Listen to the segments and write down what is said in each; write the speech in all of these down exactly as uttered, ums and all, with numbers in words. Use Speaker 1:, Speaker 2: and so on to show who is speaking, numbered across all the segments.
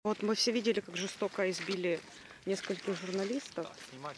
Speaker 1: Вот мы все видели, как жестоко избили нескольких журналистов.
Speaker 2: Да, снимать.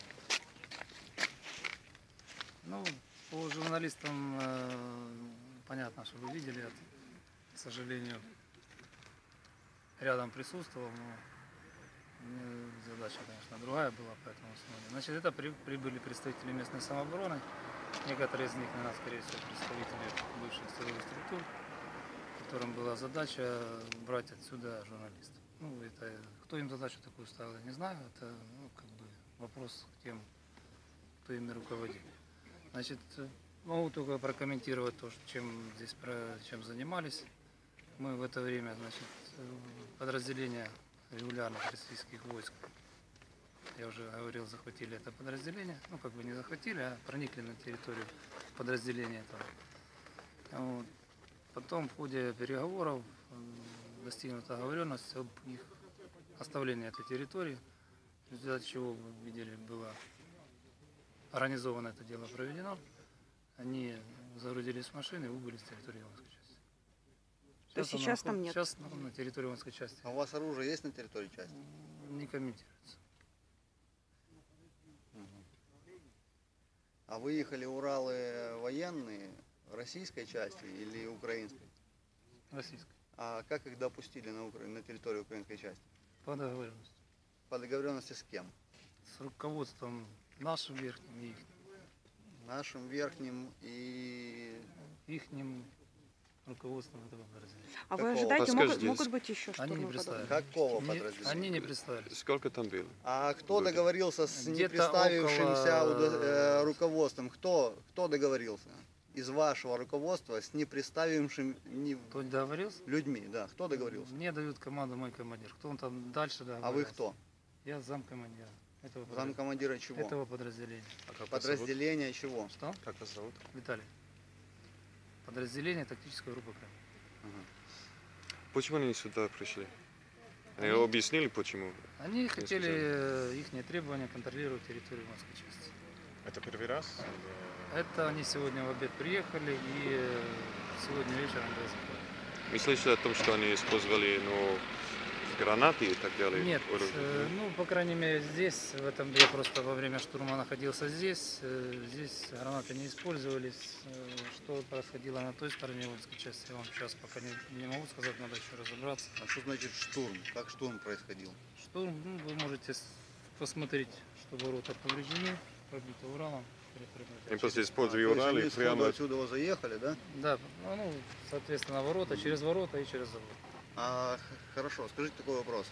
Speaker 2: Ну, по журналистам э, понятно, что вы видели, это, к сожалению, рядом присутствовал, но э, задача, конечно, другая была по этому основанию. Значит, это при, прибыли представители местной самообороны, некоторые из них, наверное, скорее всего, представители бывших силовых структур, которым была задача брать отсюда журналистов. Ну, это, кто им задачу такую ставил, я не знаю, это ну, как бы вопрос к тем, кто ими руководит. Значит, могу только прокомментировать то, чем здесь чем занимались. Мы в это время, значит, подразделения регулярных российских войск, я уже говорил, захватили это подразделение, ну как бы не захватили, а проникли на территорию подразделения этого. Вот. Потом в ходе переговоров достигнута договоренность об их оставлении этой территории, в результате чего, вы видели, было организовано это дело проведено. Они загрузились в машины и убыли с территории воинской части.
Speaker 1: То есть сейчас там нет?
Speaker 2: Сейчас ну, на территории воинской части.
Speaker 3: А у вас оружие есть на территории части?
Speaker 2: Не комментируется.
Speaker 3: Угу. А выехали Уралы военные российской части или украинской?
Speaker 2: Российской.
Speaker 3: А как их допустили на, Укра... на территорию украинской части?
Speaker 2: По договоренности.
Speaker 3: По договоренности с кем?
Speaker 2: С руководством нашим верхним и их.
Speaker 3: Нашим верхним и
Speaker 2: ихним руководством этого подразделения.
Speaker 1: А
Speaker 3: Какого?
Speaker 1: вы ожидаете, могут, могут быть еще
Speaker 2: Они не
Speaker 1: штурмы
Speaker 2: представили.
Speaker 1: подобные?
Speaker 3: какого
Speaker 2: Не,
Speaker 3: подразделения?
Speaker 2: они не представили.
Speaker 4: Сколько там было?
Speaker 3: А кто
Speaker 4: Люди.
Speaker 3: договорился с не
Speaker 2: Где-то
Speaker 3: представившимся
Speaker 2: около-
Speaker 3: удо- э, руководством? Кто, кто договорился из вашего руководства с не представившим не...
Speaker 2: Кто договорился?
Speaker 3: людьми? Да, кто договорился?
Speaker 2: Мне дают команду мой командир. Кто он там дальше договорился?
Speaker 3: А вы кто?
Speaker 2: Я замкомандира этого, подра-
Speaker 3: Замкомандира чего?
Speaker 2: этого подразделения.
Speaker 4: А как вас зовут?
Speaker 3: Подразделение чего?
Speaker 2: Что?
Speaker 4: Как вас зовут?
Speaker 2: Виталий. Подразделение тактической группы Крым.
Speaker 3: Ага.
Speaker 4: Почему они сюда пришли? Они
Speaker 2: Они-
Speaker 4: объяснили, почему?
Speaker 2: Они хотели
Speaker 4: сказали.
Speaker 2: их требования контролировать территорию воинской части.
Speaker 5: Это первый раз?
Speaker 2: Это они сегодня в обед приехали и э, сегодня вечером был захват.
Speaker 4: Мы слышали о том, что они использовали ну, гранаты и так далее.
Speaker 2: Нет,
Speaker 4: оружие.
Speaker 2: э, ну, по крайней мере, здесь, в этом я просто во время штурма находился здесь. э, Здесь гранаты не использовались. Э, Что происходило на той стороне воинской части, я вам сейчас пока не, не могу сказать, надо еще разобраться.
Speaker 3: А что значит штурм? Как штурм происходил?
Speaker 2: Штурм, ну, вы можете с- посмотреть, что ворота повреждены, пробиты Уралом. перепрыгнуты
Speaker 4: Они просто
Speaker 2: через-
Speaker 4: использовали
Speaker 3: То есть
Speaker 4: Уралы
Speaker 3: они
Speaker 4: прямо...
Speaker 3: сходу отсюда вот заехали, да?
Speaker 2: Да, ну, ну, соответственно, ворота, через ворота и через завод.
Speaker 3: А, х- хорошо, скажите такой вопрос.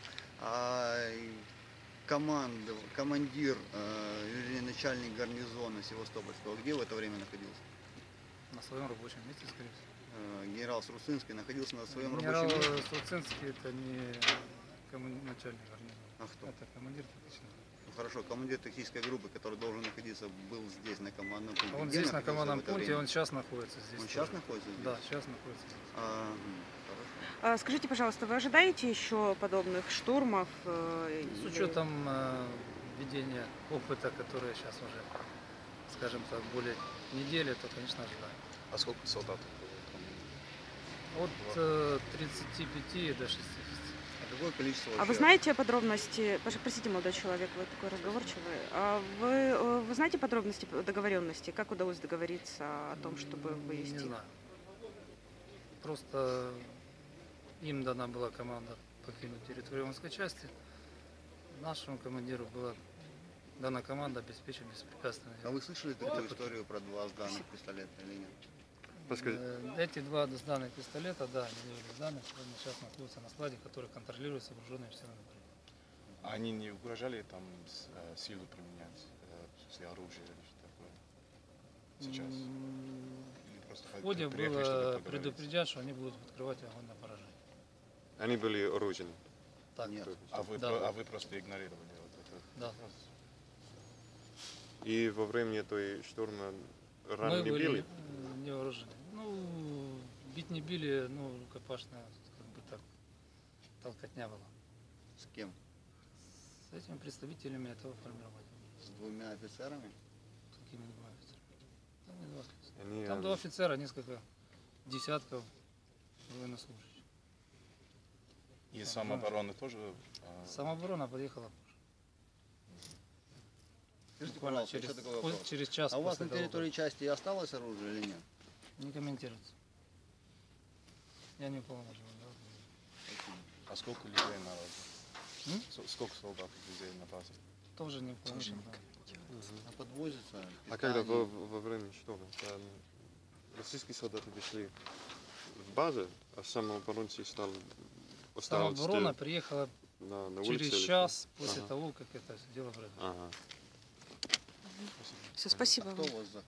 Speaker 3: А и команд, командир, э, вернее, начальник гарнизона Севастопольского, где в это время находился?
Speaker 2: На своем рабочем месте, скорее всего.
Speaker 3: Э, генерал Сруцинский находился на своем
Speaker 2: Генерал
Speaker 3: рабочем месте?
Speaker 2: Струцинский это не коман- начальник гарнизона.
Speaker 3: А кто?
Speaker 2: Это командир тактической.
Speaker 3: Ну, хорошо, командир тактической группы, который должен находиться, был здесь на командном пункте.
Speaker 2: Он
Speaker 3: Где
Speaker 2: здесь на
Speaker 3: находился
Speaker 2: командном
Speaker 3: в это
Speaker 2: пункте,
Speaker 3: время?
Speaker 2: он сейчас находится здесь.
Speaker 3: Он
Speaker 2: тоже.
Speaker 3: сейчас находится здесь?
Speaker 2: Да, сейчас находится здесь.
Speaker 3: А, м, хорошо.
Speaker 1: А, скажите, пожалуйста, вы ожидаете еще подобных штурмов? э,
Speaker 2: С
Speaker 1: или-
Speaker 2: учетом э, ведения опыта, который сейчас уже, скажем так, более недели, то, конечно, ожидаем.
Speaker 5: А сколько солдат?
Speaker 2: От э, тридцати пяти до шестидесяти.
Speaker 3: А какое количество
Speaker 1: А
Speaker 3: вообще?
Speaker 1: вы знаете подробности, Пож- простите, молодой человек, вы такой разговорчивый, а вы, э, вы знаете подробности договоренности, как удалось договориться о том, чтобы вывести?
Speaker 2: Не знаю. Просто им дана была команда покинуть территорию воинской части. Нашему командиру была дана команда обеспечить беспрепятственное.
Speaker 3: А вы слышали такую
Speaker 2: Это
Speaker 3: историю про два сданных пистолета или нет?
Speaker 4: Подскажите.
Speaker 2: Э, Эти два сданных пистолета, да, они были сданы, сегодня сейчас находятся на складе, который контролируется вооруженными силами Украины.
Speaker 5: А они не угрожали там с- э, силу применять, э, в смысле оружие или что такое? Сейчас?
Speaker 2: М,
Speaker 5: Или просто
Speaker 2: В ходе
Speaker 5: приехали, чтобы
Speaker 2: было
Speaker 5: поговорить?
Speaker 2: предупредят, что они будут открывать огонь на поражение.
Speaker 4: Они были оружейны.
Speaker 2: Так,
Speaker 3: Нет.
Speaker 5: А вы,
Speaker 2: Да.
Speaker 5: про- а вы просто игнорировали вот это?
Speaker 2: да.
Speaker 4: И во время той штурма рано
Speaker 2: Мы
Speaker 4: не
Speaker 2: были
Speaker 4: били?
Speaker 2: э, не вооружены. Ну, бить не били, ну, рукопашная, как бы так, толкотня была.
Speaker 3: С кем?
Speaker 2: С этими представителями этого формирования.
Speaker 3: С двумя офицерами?
Speaker 2: Какими два офицера? Там не два офицера.
Speaker 4: Они,
Speaker 2: Там
Speaker 4: э,
Speaker 2: два офицера, несколько десятков военнослужащих.
Speaker 5: И самообороны тоже? а,
Speaker 2: Самооборона подъехала позже.
Speaker 3: Скажите,
Speaker 2: Буквально
Speaker 3: пожалуйста,
Speaker 2: через,
Speaker 3: еще такой
Speaker 2: по-
Speaker 3: вопрос.
Speaker 2: через час
Speaker 3: А у вас
Speaker 2: после
Speaker 3: на
Speaker 2: того,
Speaker 3: территории части осталось оружие или нет?
Speaker 2: как- Не комментируется. Я не уполномочен. да.
Speaker 5: А сколько людей на базе?
Speaker 2: М?
Speaker 5: С- Сколько солдат людей на базе?
Speaker 2: Тоже не уполномочен. да.
Speaker 3: А подвозится?
Speaker 4: А когда
Speaker 3: питание?
Speaker 4: во, во время что? Там российские солдаты пришли в базу, а самооборонцы стал осталось
Speaker 2: Самооборона приехала
Speaker 4: на, на улице
Speaker 2: через
Speaker 4: или что?
Speaker 2: час после
Speaker 4: Ага.
Speaker 2: того, как это дело произошло.
Speaker 4: Ага.
Speaker 1: Все, спасибо
Speaker 3: А
Speaker 1: вам.
Speaker 3: кто вас